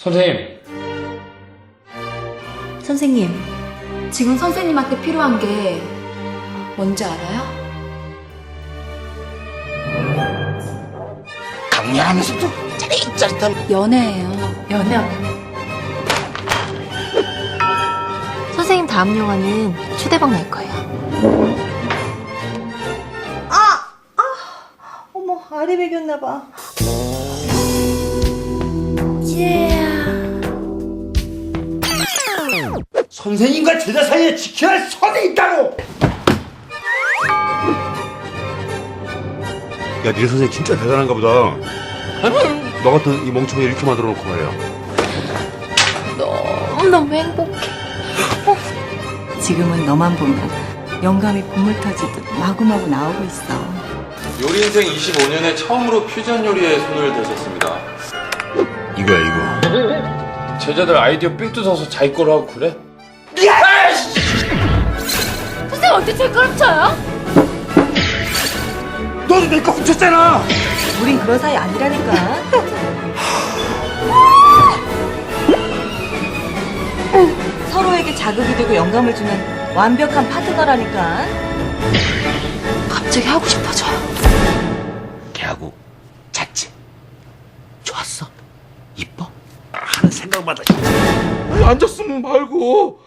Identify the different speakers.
Speaker 1: 선생님.
Speaker 2: 선생님, 지금 선생님한테 필요한 게 뭔지 알아요?
Speaker 3: 강렬하면서도 짜릿짜릿한
Speaker 2: 연애예요. 연애. 선생님 다음 영화는 초대박 날 거예요.
Speaker 4: 어머, 알이 배겼나봐.
Speaker 3: 선생님과 제자 사이에 지켜야 할 선이 있다고!
Speaker 5: 야, 니네 선생님 진짜 대단한가 보다. 너 같은 이 멍청이 이렇게 만들어 놓고 말이야.
Speaker 2: 너무너무 행복해.
Speaker 4: 지금은 너만 보면 영감이 콧물 터지듯 마구마구 나오고 있어.
Speaker 6: 요리 인생 25년에 처음으로 퓨전 요리에 손을 대셨습니다.
Speaker 5: 이거야, 이거.
Speaker 1: 제자들 아이디어 삥 뜯어서 자기 거로 하고 그래?
Speaker 2: 선생님 어떻게 제 거를 쳐요?
Speaker 5: 너도 내 거 훔쳤잖아!
Speaker 4: 우린 그런 사이 아니라니까. 서로에게 자극이 되고 영감을 주는 완벽한 파트너라니까.
Speaker 2: 갑자기 하고 싶어져요.
Speaker 3: 걔하고 잤지? 좋았어? 이뻐? 하는 생각마다
Speaker 5: 앉았으면 말고.